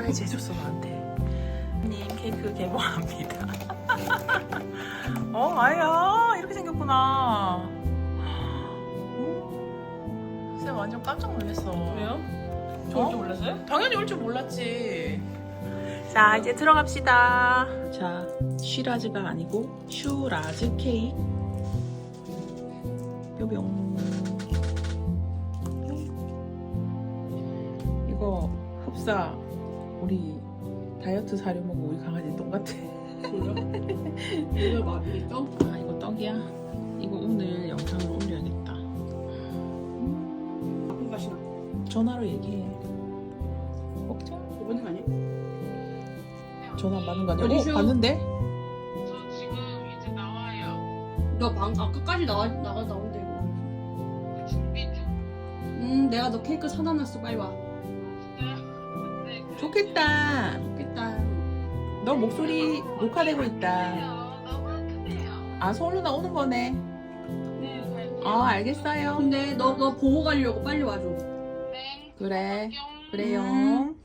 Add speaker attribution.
Speaker 1: 서프라이즈 해줬어 나한테. 님 케이크 개봉합니다. 아야 이렇게 생겼구나. 쌤 완전 깜짝 놀랐어.
Speaker 2: 왜요? 저 올 줄 몰랐어요?
Speaker 1: 당연히 올 줄 몰랐지. 자 이제 들어갑시다. 자 쉬라즈가 아니고 슈라즈 케이크. 뿅뿅. 이거 흡사 우리 다이어트 사려먹고 우리 강아지 똑같아.
Speaker 2: 이걸 맛있어?
Speaker 1: 아 이거 떡이야. 이거 오늘 영상으로 올려야겠다.
Speaker 2: 아픈 가시나?
Speaker 1: 전화로 얘기해. 먹자.
Speaker 2: 이번에 아니야?
Speaker 1: 전화 안 받는 거 아니야?
Speaker 2: 어디셔?
Speaker 1: 받는데?
Speaker 3: 저 지금 이제 나와요.
Speaker 2: 너 아까까지 나온대 이거.
Speaker 3: 준비 중.
Speaker 2: 내가 너 케이크 사다 놨어. 빨리 와.
Speaker 3: 네,
Speaker 1: 좋겠다.
Speaker 2: 좋겠다.
Speaker 1: 너 목소리 녹화되고 있다.
Speaker 3: 너무 크네요.
Speaker 1: 아 서울로 나오는 거네.
Speaker 3: 네, 갈게요.
Speaker 1: 알겠어요.
Speaker 2: 근데 너 보고 가려고 빨리 와줘.
Speaker 3: 네.
Speaker 1: 그래.
Speaker 3: 뿅.
Speaker 1: 그래요.